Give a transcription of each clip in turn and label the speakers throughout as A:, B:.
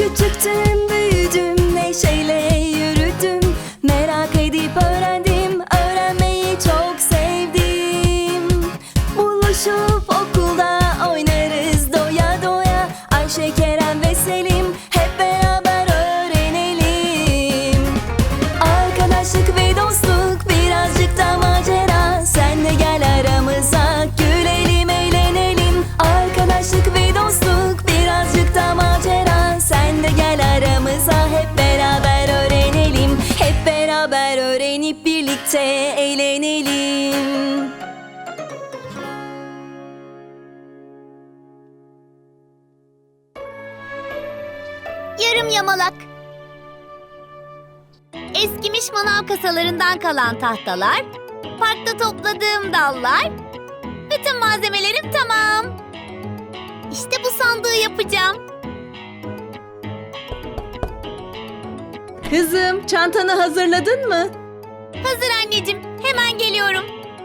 A: Küçüktüm, büyüdüm, neşeyle yürüdüm. Merak edip öğrendim, öğrenmeyi çok sevdim. Buluşup okulda oynarız doya doya. Ayşe, Kerem ve Selim hep beraber öğrenelim. Arkadaşlık ve dostluk, birazcık da macera. Sen de gel aramıza, gülelim, eğlenelim. Arkadaşlık ve dostluk, birazcık da macera. Sen de gel aramıza, hep beraber öğrenelim. Hep beraber öğrenip birlikte eğlenelim.
B: Yarım yamalak. Eskimiş manav kasalarından kalan tahtalar, parkta topladığım dallar. Bütün malzemelerim tamam. İşte bu sandığı yapacağım.
C: Kızım, çantanı hazırladın mı?
B: Hazır anneciğim, hemen geliyorum.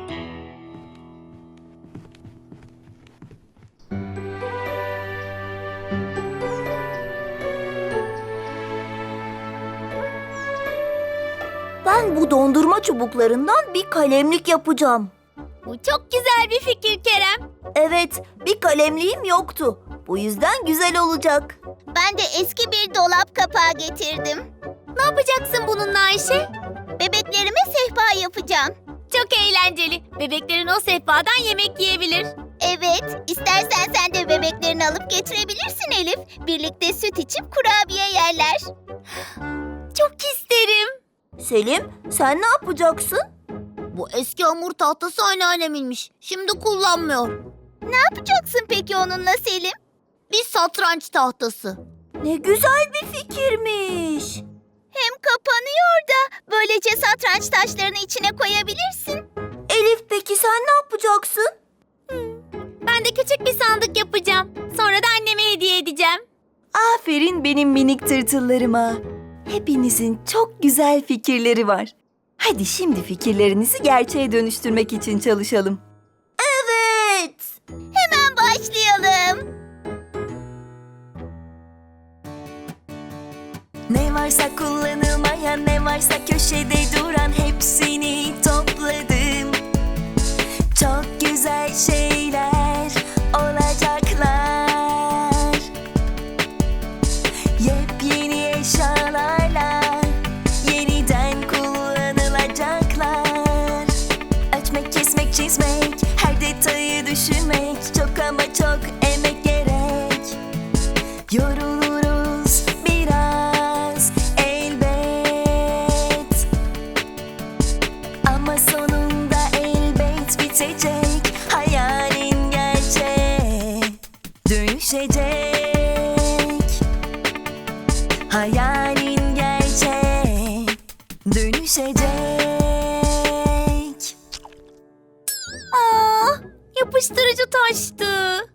D: Ben bu dondurma çubuklarından bir kalemlik yapacağım.
B: Bu çok güzel bir fikir Kerem.
D: Evet, bir kalemliğim yoktu. Bu yüzden güzel olacak.
B: Ben de eski bir dolap kapağı getirdim. Ne yapacaksın bununla Ayşe? Bebeklerime sehpa yapacağım. Çok eğlenceli. Bebeklerin o sehpadan yemek yiyebilir. Evet, istersen sen de bebeklerini alıp getirebilirsin Elif. Birlikte süt içip kurabiye yerler. Çok isterim.
D: Selim, sen ne yapacaksın?
B: Bu eski hamur tahtası anneanneminmiş. Şimdi kullanmıyor. Ne yapacaksın peki onunla Selim? Bir satranç tahtası.
D: Ne güzel bir fikirmiş.
B: Hem kapanıyor da böylece satranç taşlarını içine koyabilirsin.
D: Elif, peki sen ne yapacaksın?
B: Ben de küçük bir sandık yapacağım. Sonra da anneme hediye edeceğim.
A: Aferin benim minik tırtıllarıma. Hepinizin çok güzel fikirleri var. Hadi şimdi fikirlerinizi gerçeğe dönüştürmek için çalışalım.
D: Evet.
B: Hemen başlayalım.
A: Ne varsa kullanılmayan, ne varsa köşede duran, hepsini topladım. Çok güzel şeyler olacaklar. Yepyeni eşyalarla yeniden kullanılacaklar. Ölçmek, kesmek, çizmek, her detayı düşünmek, çok ama çok emek gerek. Yoruluruz biraz elbet, ama sonunda elbet bitecek. Hayalin gerçeğe dönüşecek. Hayalin gerçeğe dönüşecek.
B: Aa, yapıştırıcı taştı.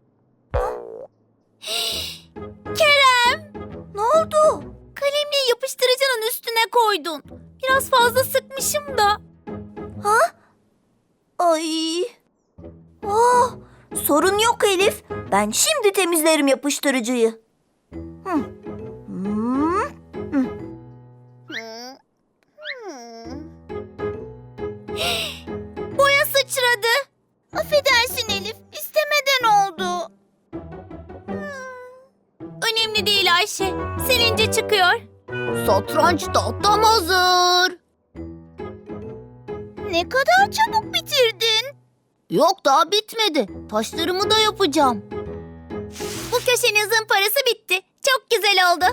B: Kerem,
D: Ne oldu?
B: kalemliği yapıştırıcının üstüne koydun. Biraz fazla sıkmışım da.
D: Ay. Ah, sorun yok Elif. Ben şimdi temizlerim yapıştırıcıyı. Hmm.
B: Boya sıçradı. Affedersin Elif, istemeden oldu. Önemli değil Ayşe, silince çıkıyor. Satranç tahtam hazır. Ne kadar çabuk bitirdin. Yok, daha bitmedi. Taşlarımı da yapacağım. Bu köşenin zımparası bitti. Çok güzel oldu.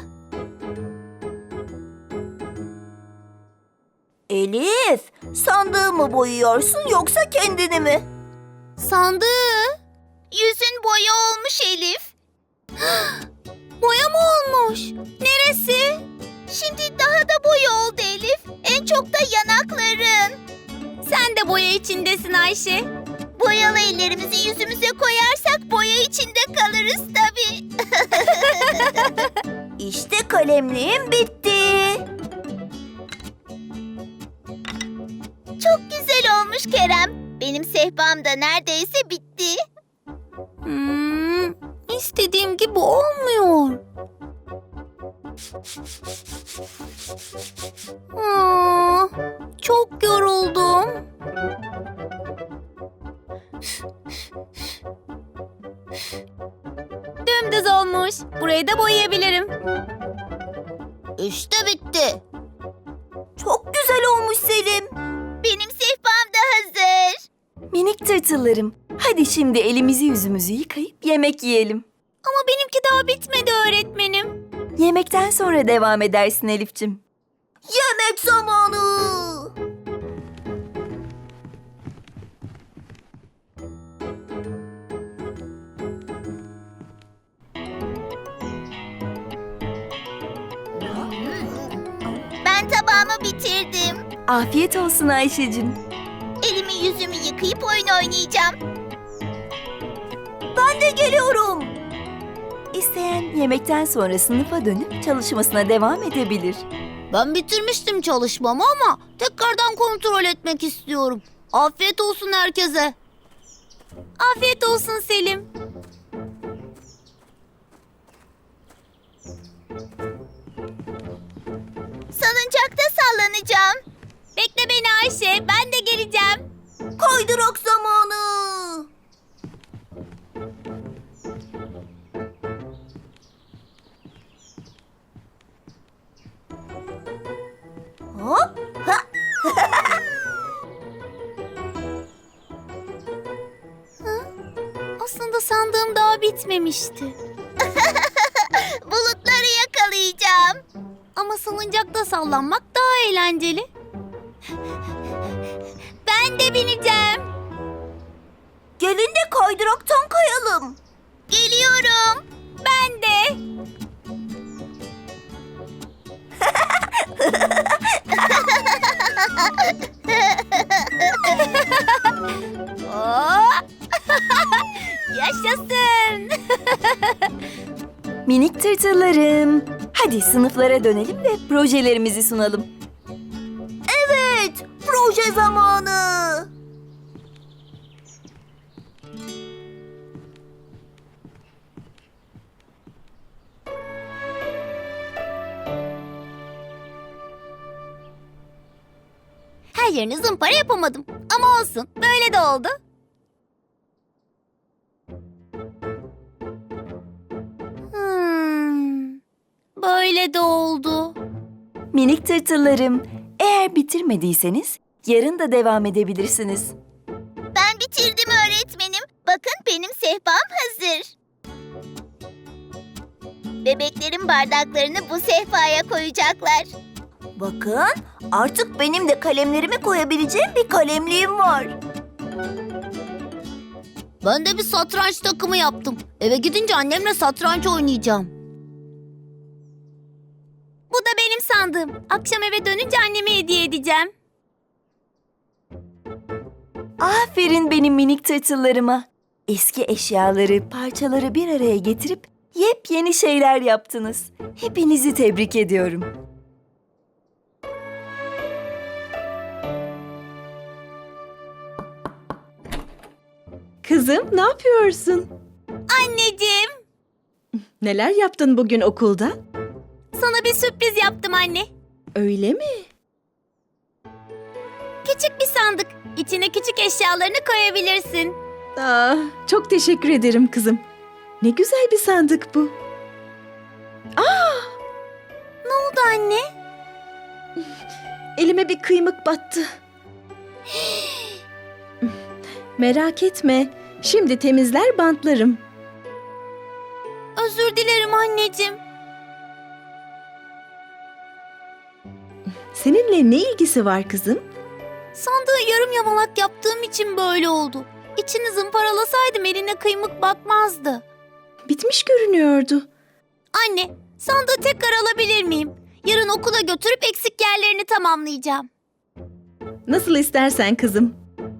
D: Elif, sandığı mı boyuyorsun yoksa kendini mi?
B: Sandığı. Yüzün boya olmuş Elif. Boya mı olmuş? Neresi? Şimdi daha da boya oldu Elif. En çok da yanakların. Sen de boya içindesin Ayşe. Boyalı ellerimizi yüzümüze koyarsak boya içinde kalırız tabii.
D: İşte kalemliğim bitti.
B: Çok güzel olmuş Kerem. Benim sehpam da neredeyse bitti. İstediğim gibi olmuyor. Çok yoruldum. Dümdüz olmuş. Burayı da boyayabilirim. İşte bitti.
D: Çok güzel olmuş Selim.
B: Benim sehpam da hazır.
A: Minik tırtıllarım, hadi şimdi elimizi yüzümüzü yıkayıp yemek yiyelim.
B: Ama benimki daha bitmedi öğretmenim.
A: Yemekten sonra devam edersin Elif'cim.
D: Yemek zamanı.
B: Ben tabağımı bitirdim.
A: Afiyet olsun Ayşe'cim.
B: Elimi yüzümü yıkayıp oyun oynayacağım.
D: Ben de geliyorum.
A: İsteyen yemekten sonra sınıfa dönüp çalışmasına devam edebilir.
B: Ben bitirmiştim çalışmamı ama tekrardan kontrol etmek istiyorum. Afiyet olsun herkese. Afiyet olsun Selim. Salıncakta sallanacağım. Bekle beni Ayşe, ben de geleceğim.
D: Kaydırak zamanı. Hop. Ha.
B: Aslında sandığım daha bitmemişti. Bulutları yakalayacağım. Ama salıncakta sallanmak daha eğlenceli. Ben de bineceğim.
D: Gelin de kaydıraktan kayalım.
B: Geliyorum. Ben de. Oo! Yaşasın.
A: Minik tırtıllarım, hadi sınıflara dönelim ve projelerimizi sunalım.
D: Evet, proje zamanı.
B: Her yerini zımpara yapamadım. Ama olsun. Böyle de oldu. Böyle de oldu.
A: Minik tırtıllarım, eğer bitirmediyseniz yarın da devam edebilirsiniz.
B: Ben bitirdim öğretmenim. Bakın benim sehpam hazır. Bebeklerin bardaklarını bu sehpaya koyacaklar.
D: Bakın, artık benim de kalemlerimi koyabileceğim bir kalemliğim var.
B: Ben de bir satranç takımı yaptım. Eve gidince annemle satranç oynayacağım. Bu da benim sandığım. Akşam eve dönünce anneme hediye edeceğim.
A: Aferin benim minik tırtıllarıma. Eski eşyaları, parçaları bir araya getirip yepyeni şeyler yaptınız. Hepinizi tebrik ediyorum.
C: Kızım, ne yapıyorsun?
B: Anneciğim,
C: Neler yaptın bugün okulda?
B: sana bir sürpriz yaptım anne.
C: Öyle mi?
B: Küçük bir sandık. İçine küçük eşyalarını koyabilirsin.
C: Çok teşekkür ederim kızım. Ne güzel bir sandık bu.
B: Ne oldu anne?
C: Elime bir kıymık battı. Merak etme. Şimdi temizler bantlarım.
B: Özür dilerim anneciğim.
C: Seninle ne ilgisi var kızım?
B: Sandığı yarım yamalak yaptığım için böyle oldu. İçini zımparalasaydım eline kıymık batmazdı.
C: Bitmiş görünüyordu.
B: Anne, sandığı tekrar alabilir miyim? Yarın okula götürüp eksik yerlerini tamamlayacağım.
C: Nasıl istersen kızım.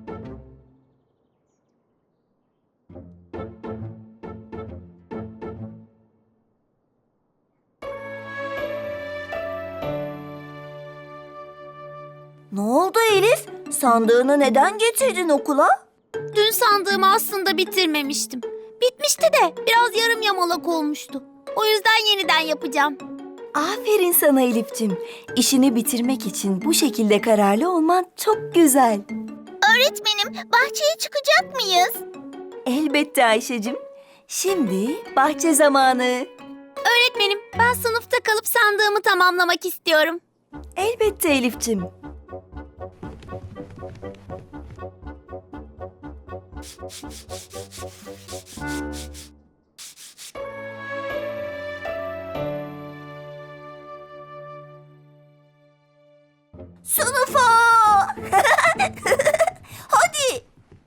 D: Ne oldu Elif? Sandığını neden getirdin okula?
B: Dün sandığımı aslında bitirmemiştim. Bitmişti de biraz yarım yamalak olmuştu. O yüzden yeniden yapacağım.
A: Aferin sana Elif'cim. İşini bitirmek için bu şekilde kararlı olman çok güzel.
B: Öğretmenim, bahçeye çıkacak mıyız?
A: Elbette Ayşe'cim. Şimdi bahçe zamanı.
B: Öğretmenim, ben sınıfta kalıp sandığımı tamamlamak istiyorum.
A: Elbette Elif'cim.
D: Sınıfa! Hadi!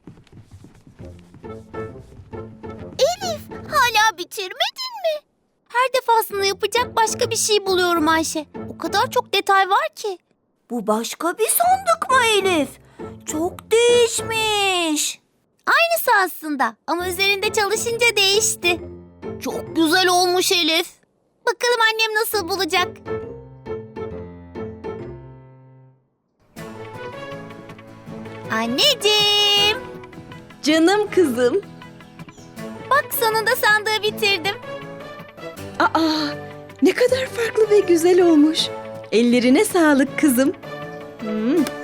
B: Elif, hala bitirmedin mi? Her defasında yapacak başka bir şey buluyorum Ayşe. O kadar çok detay var ki.
D: Bu başka bir sandık mı Elif? Çok değişmiş.
B: Aynısı aslında ama üzerinde çalışınca değişti. Çok güzel olmuş Elif. Bakalım annem nasıl bulacak? Anneciğim,
C: Canım kızım.
B: bak sonunda sandığı bitirdim.
C: Aa, ne kadar farklı ve güzel olmuş. Ellerine sağlık kızım.